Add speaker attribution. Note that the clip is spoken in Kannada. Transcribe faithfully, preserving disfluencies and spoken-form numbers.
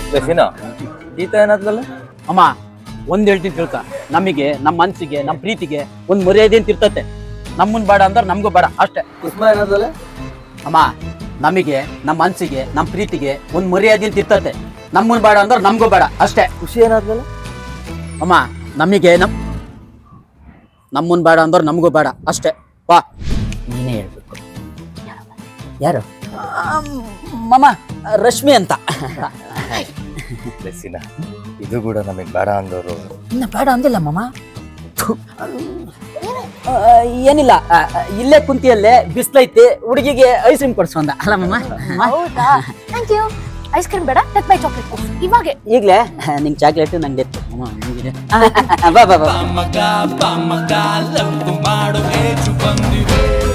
Speaker 1: ಲಸಿನ ಈತ ಏನಾದ್ಲಲ್ಲ
Speaker 2: ಅಮ್ಮ ಒಂದ್ ಹೇಳ್ತೀನಿ ತಿಳ್ಕ, ನಮಗೆ ನಮ್ಮ ಮನ್ಸಿಗೆ ನಮ್ಮ ಪ್ರೀತಿಗೆ ಒಂದ್ ಮರ್ಯಾದೆ ಅಂತ ಇರ್ತತೆ. ನಮ್ಮನ್ ಬೇಡ ಅಂದ್ರೆ ನಮಗೂ ಬೇಡ ಅಷ್ಟೇ.
Speaker 1: ಕುಸುಮ ಏನಾದ್ಲಲ್ಲ
Speaker 2: ಅಮ್ಮ ನಮಗೆ ನಮ್ಮ ಮನ್ಸಿಗೆ ನಮ್ಮ ಪ್ರೀತಿಗೆ ಒಂದ್ ಮರ್ಯಾದೆ ಅಂತ ಇರ್ತತೆ. ನಮ್ಮನ್ ಬೇಡ ಅಂದ್ರೆ ನಮಗೂ ಬೇಡ ಅಷ್ಟೇ.
Speaker 1: ಖುಷಿ ಏನಾದ್ಲಲ್ಲ
Speaker 2: ಅಮ್ಮ ನಮಗೆ ನಮ್ ನಮ್ಮನ್ ಬೇಡ ಅಂದ್ರೆ ನಮಗೂ ಬೇಡ ಅಷ್ಟೇ. ಬಾ ನೀನೇ ಹೇಳ್ಬೇಕು. ಯಾರು? ಮಮ್ಮ ರಶ್ಮಿ ಅಂತ.
Speaker 1: ಲಸಿನ ಇದು ಕೂಡ ನಮಗ್ ಬೇಡ ಅಂದವರು
Speaker 2: ಇನ್ನ ಬೇಡ ಅಂದಿಲ್ಲ ಮಮ್ಮ. ಏನಿಲ್ಲ, ಇಲ್ಲೇ ಕುಂತಿಯಲ್ಲೇ ಬಿಸ್ಲೈತಿ, ಹುಡುಗಿಗೆ ಐಸ್ ಕ್ರೀಮ್ ಕೊಡ್ಸು ಅಂದ ಅಲ್ಲ ಮಮ್ಮ.
Speaker 3: ಹೌದಾ? Thank you. ಐಸ್ ಕ್ರೀಮ್ ಬೇಡ, ಲೆಟ್ ಬೈ ಚಾಕ್ಲೇಟ್ ಕೊಡು ಇವಾಗೆ.
Speaker 2: ಈಗ್ಲೇ ನಿಂಗೆ ಚಾಕ್ಲೇಟ್ ನಂಗೆ ಎತ್ತು ಮಮ್ಮ. ಬಾ ಬಾ ಬಾ.